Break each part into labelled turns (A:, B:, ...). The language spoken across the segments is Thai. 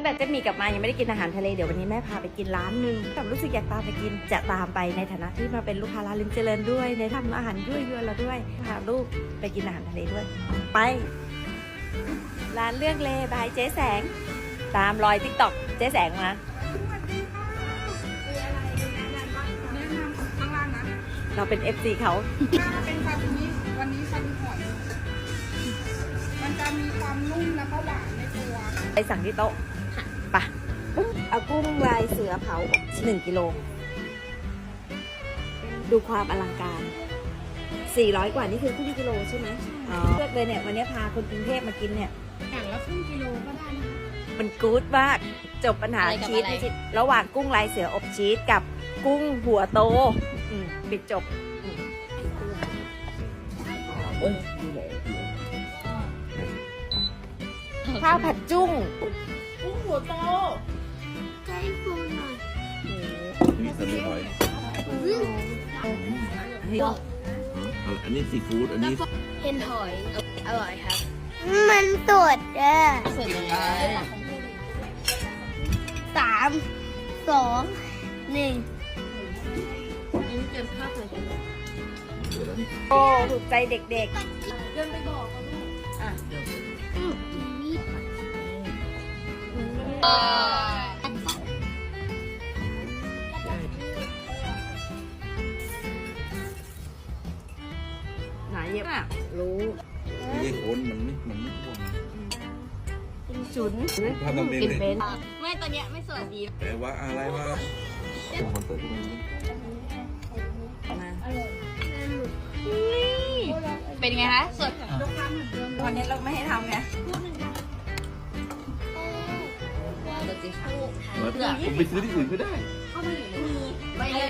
A: งแต่เจ๊มีกลับมายังไม่ได้กินอาหารทะเลเดี๋ยววันนี้แม่พาไปกินร้านหนึ่งแต่รู้สึกอยากตามไปกินจะตามไปในฐานะที่มาเป็นลูกค้าร้านลิ้มเจริญด้วยในทำอาหารด้วยเราด้วยพาลูกไปกินอาหารทะเลด้วยไปร้านเรื่องเลบายเจ๊แสงตามรอยติ๊กต็อกเจ๊แสงมา
B: ข้างล่างนะ
A: เราเป็น FC เขา
B: ถ้าเป็นซาซิมิวันนี้ซาซิมิหอยมันจะมีความนุ่มแล้วก็หวานในตัว
A: ไปสั่งที่โต๊ะไปเอากุ้งลายเสือเผา1 กิโลดูความอลังการ400 กว่านี่คือครึ่งกิโลใช่ไหมเลือกเลยเนี่ยวันนี้พาคนกรุงเทพมากินเนี่ย
B: อย่างละครึ่งกิโลก็ได้นะ
A: มันกู๊ดมากจบปัญหาชีสไม่ใช่ระหว่างกุ้งลายเสืออบชีสกับกุ้งหัวโตปิดจบข้าวผัดจุ้งกุ้งหัวโต
C: ใจฟูหน่อย
D: มีสลิดหอย อันนี้ซีฟู้ดอันนี้
C: เห็นหอยอร่อยครับ มันสดอ่ะ
A: สดยังไง
C: 3 2 1
A: โอ้ถูกใจเด็กๆหนาเย็บอ่ะรู้
D: ไม่ใช่โคนมันไม่พวง
A: ฉุน
D: ทำเองเลย
A: เป็น
C: ไม่ตอนเนี้ยไม่สดดี
D: แต่ว่าอะไรวะคอนเสิร์ตที่มัน
A: มา
C: เป็นไงคะ สด
A: วันนี้เราไม่ให้ทำไง
D: ผมไปซื้อที่อื่นก็ได้
C: ไปเลย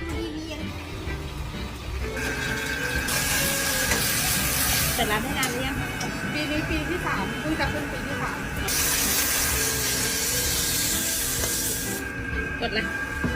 A: แต่ร้านให้นานหรือยัง
B: ปีนี้ปีที่3เพิ่งจะขึ้นปีที่3
A: กดเลย